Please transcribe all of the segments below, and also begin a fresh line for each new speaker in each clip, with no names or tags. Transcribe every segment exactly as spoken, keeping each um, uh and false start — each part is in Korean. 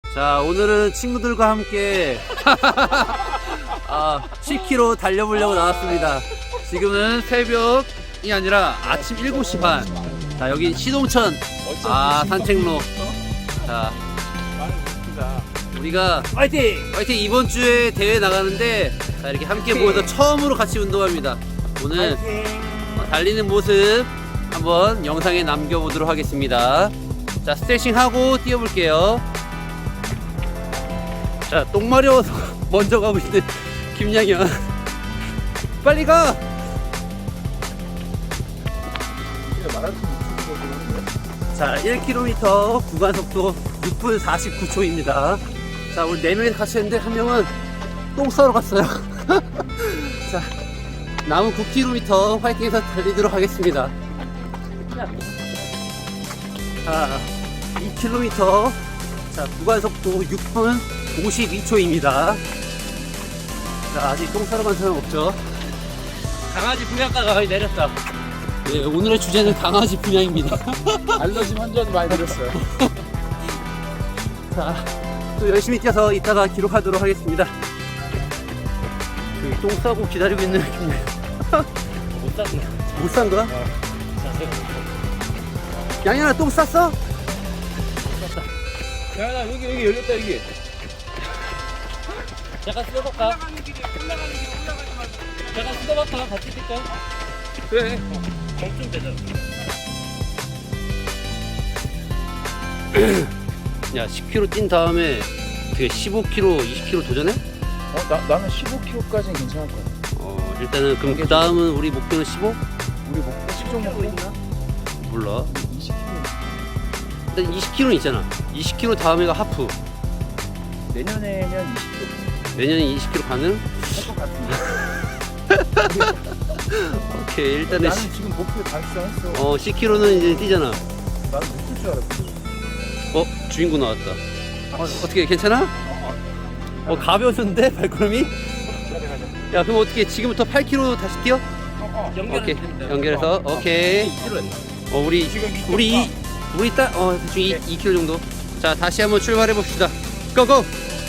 자, 오늘은 친구들과 함께 아, 십 킬로미터 달려보려고 나왔습니다. 지금은 새벽이 아니라 아침 일곱 시 반. 자, 여기 시동천 아, 산책로. 자, 우리가
화이팅!
화이팅! 이번 주에 대회 나가는데 자, 이렇게 함께 모여서 처음으로 같이 운동합니다. 오늘 어, 달리는 모습 한번 영상에 남겨보도록 하겠습니다. 자, 스트레칭 하고 뛰어볼게요. 자, 똥 마려워서 먼저 가고 있는 김양현. 빨리 가! 자, 일 킬로미터 구간 속도 육 분 사십구 초입니다. 자, 우리 네 명이 같이 했는데 한 명은 똥 싸러 갔어요. 자, 남은 구 킬로미터 화이팅해서 달리도록 하겠습니다. 자, 이 킬로미터 자, 구간 속도 육 분 오십이 초입니다. 자, 아직 똥 싸러 간 사람 없죠? 강아지 분양가가 거의 내렸다. 네, 오늘의 주제는 강아지 분양입니다.
알러지 환자도 많이 들었어요.
자, 또 열심히 뛰어서 이따가 기록하도록 하겠습니다. 그 똥 싸고 기다리고 있는 김네.
못 샀네.
못 싼 거야?
어. 자세가 못
양현아, 똥 쌌어?
샀다. 야, 나 여기, 여기 열렸다, 여기. 잠깐 쓸어볼까? 올라가는 길이, 올라가는 길이 올라가지 말고. 잠깐 쓸어볼까? 같이 뛸까? 그래. 좀 되잖아.
야, 십 킬로미터 뛴 다음에 그 십오 킬로미터, 이십 킬로미터 도전해?
어, 나, 나는 십오 킬로미터까지는 괜찮을 거야.
어, 일단은 그럼 그 다음은 우리 목표는 십오?
우리 목표 십 정도 있나?
몰라.
이십 킬로미터.
일단 이십 킬로미터는 있잖아. 이십 킬로미터 다음에가 하프.
내년에면 이십 킬로미터.
내년에 이십 킬로미터 가능?
할 것 같은데.
오케이, 일단은
나는 지금 목표 달성했어.
어, 십 킬로미터는 이제 뛰잖아.
나는 못 뛸 줄 알았어.
어, 주인공 나왔다. 어, 어떻게 괜찮아? 어, 가벼워졌는데 발걸음이? 야, 그럼 어떻게 지금부터 팔 킬로미터 다시 뛰어? 오케이, 연결해서 오케이. 어, 우리 우리 이, 우리 딱 어, 대충 이, 이 킬로미터 정도. 자, 다시 한번 출발해 봅시다. 고고.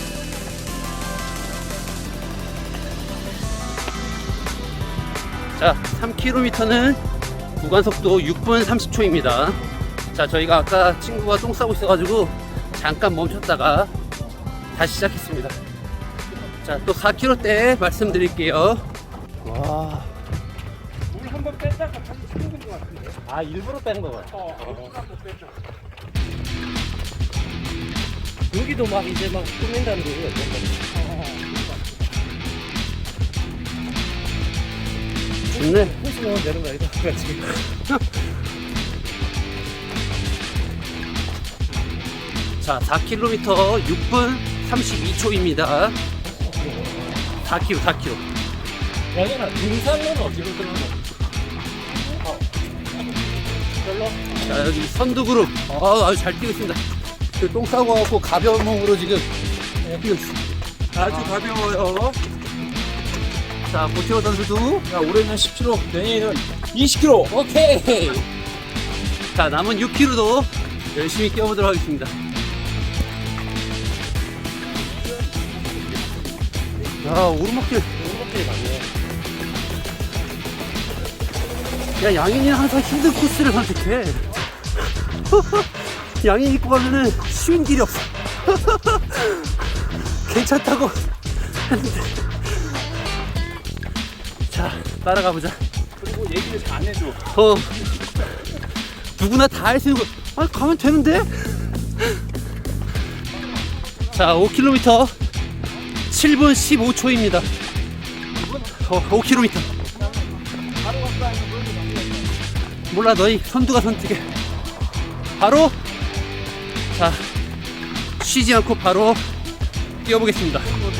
자, 삼 킬로미터는 구간 속도 육 분 삼십 초입니다. 자, 저희가 아까 친구가 똥 싸고 있어가지고 잠깐 멈췄다가 다시 시작했습니다. 자, 또 사 킬로미터 때 말씀드릴게요. 와,
물 한 번 뺐다가 다시 치는 것 같은데.
아, 일부러 뺀 거 같아.
어, 어. 한번 뺐다.
여기도 막 이제 막 꾸민다는 거예요. 좋네.
호수 넣으면 되는 거 아니다? 지금.
자, 사 킬로미터 육 분 삼십이 초입니다. 사 킬로미터, 사 킬로미터.
야근아, 등산로는 어디로 들어가? 어. 별로?
자, 여기 선두그룹. 아, 아주 잘 뛰고 있습니다. 그 똥 싸고 갖고 가벼운 몸으로 지금 뛰고 있어.
아주 가벼워요.
자, 고티어 선수도.
야, 올해는 십 킬로미터, 내년에는 이십 킬로미터.
오케이. 자, 남은 육 킬로미터도 열심히 뛰어보도록 하겠습니다. 야, 오르막길.
오르막길이 많네.
야, 양인이는 항상 힘든 코스를 선택해. 양인 입고 가면은 쉬운 길이 없어. 괜찮다고 했는데. 자, 따라가 보자.
그리고 얘기를 잘 안 해줘.
어, 누구나 다 할 수 있는 거. 아, 가면 되는데? 자, 오 킬로미터 칠 분 십오 초입니다. 어, 오 킬로미터. 몰라, 너희 선두가 선택해. 바로, 자, 쉬지 않고 바로 뛰어보겠습니다.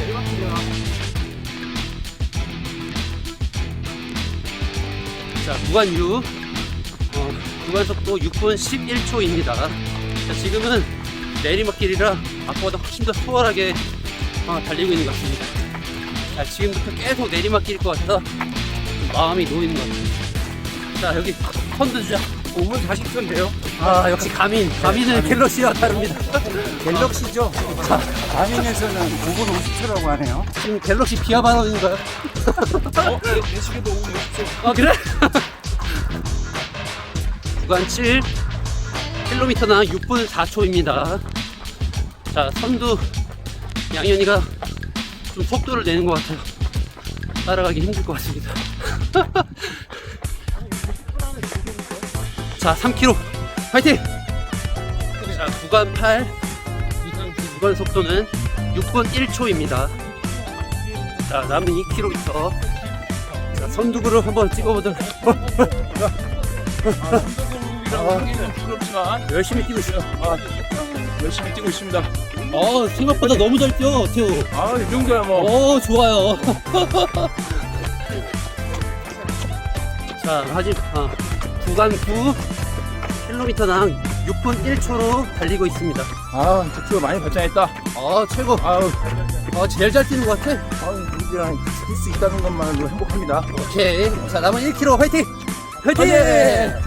자, 구간 육, 어, 구간 속도 육 분 십일 초입니다. 자, 지금은 내리막길이라 아까보다 훨씬 더 수월하게 어, 달리고 있는 것 같습니다. 자, 지금부터 계속 내리막길일 것 같아서 마음이 놓이는 것 같아요. 자, 여기 선두 주자.
오 분 사십 초인데요?
아 역시 가민. 가민은 갤럭시와 다릅니다.
갤럭시죠? 가민에서는 오 분 오십 초라고 하네요.
지금 갤럭시 비하 발언인가요?
어? 내, 내 시계도 오 분 오십 초.
아 그래? 구간 칠 킬로미터당 육 분 사 초입니다. 자 선두 양현이가 좀 속도를 내는 것 같아요. 따라가기 힘들 것 같습니다. 자 삼 킬로미터 파이팅! 자 구간 팔 구간 속도는 육 분 일 초입니다. 자 남은 이 킬로미터 자, 선두그룹 한번 찍어보도록.
아, 부끄럽지만
열심히 뛰고 있어요.
아, 열심히 뛰고 있습니다.
어 생각보다 너무 잘 뛰어 태우.
아, 이 정도야 뭐.
오 좋아요. 자 하지 아, 구간 구 킬로미터당 육 분 일 초로 달리고 있습니다.
아, 저 많이 발전했다.
아 최고.
아우,
아 제일 잘 뛰는 것 같아.
아우, 우리랑 뛸 수 있다는 것만으로 행복합니다.
오케이. 자 남은 일 킬로미터 화이팅. 화이팅.
화이팅!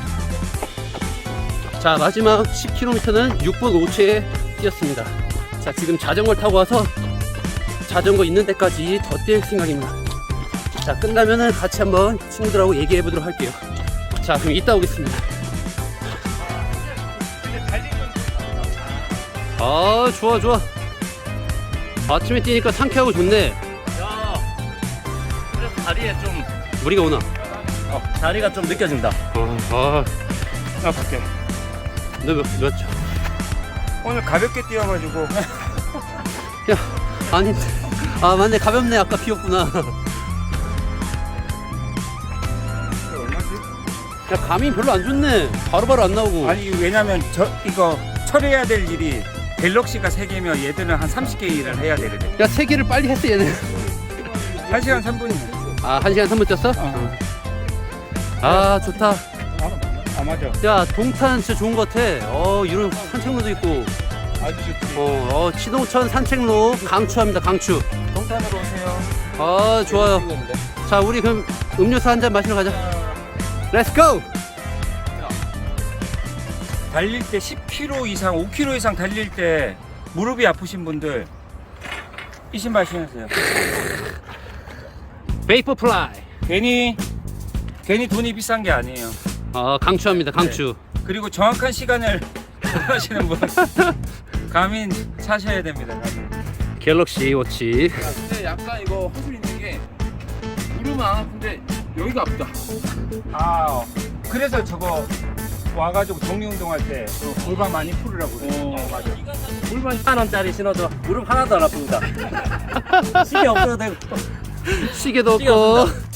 자 마지막 십 킬로미터는 육 분 오 초에 뛰었습니다. 자 지금 자전거를 타고 와서 자전거 있는 데까지 더 뛸 생각입니다. 자 끝나면은 같이 한번 친구들하고 얘기해 보도록 할게요. 자 그럼 이따 오겠습니다. 아 좋아 좋아. 아침에 뛰니까 상쾌하고 좋네.
야, 그래서 다리에 좀
무리가 오나?
어, 다리가 좀 느껴진다.
아,
나 갈게.
너 몇, 몇 초?
오늘 가볍게 뛰어가지고.
야, 아니, 아 맞네 가볍네 아까 비었구나.
얼마지?
야 감이 별로 안 좋네. 바로바로 안 나오고.
아니 왜냐면 저 이거 처리해야 될 일이 갤럭시가 세 개면 얘들은 한 삼십 개 일을 해야 되거든.
야 세 개를 빨리 했어 얘는.
한 시간 삼 분이네.
아 한 시간 삼 분 뛰었어?
어.
아 좋다.
아 맞아.
야 동탄 진짜 좋은 것 같아. 어 이런 산책로도 있고.
아주 좋지.
어, 어 치동천 산책로 강추합니다 강추.
동탄으로 오세요.
아 좋아요. 자 우리 그럼 음료수 한 잔 마시러 가자. 렛츠 고!
달릴 때 십 킬로미터 이상, 오 킬로미터 이상 달릴 때 무릎이 아프신 분들 이 신발 신으세요.
베이퍼 플라이.
괜히 괜히 돈이 비싼 게 아니에요.
아 강추합니다 강추.
그리고 정확한 시간을 원하시는 분 가민 사셔야 됩니다. 가민.
갤럭시 워치.
근데 약간 이거 허술 있는 게 무릎은 안 아픈데 여기가 아프다.
아 어. 그래서 저거 와가지고 정리 운동할 때 골반 많이 풀으라고 그래.
어,
맞아.
물만 만 원짜리 신어도 무릎 하나도 안 아픕니다. 시계 없어도 되고.
시계도
시계
없고.
없습니다.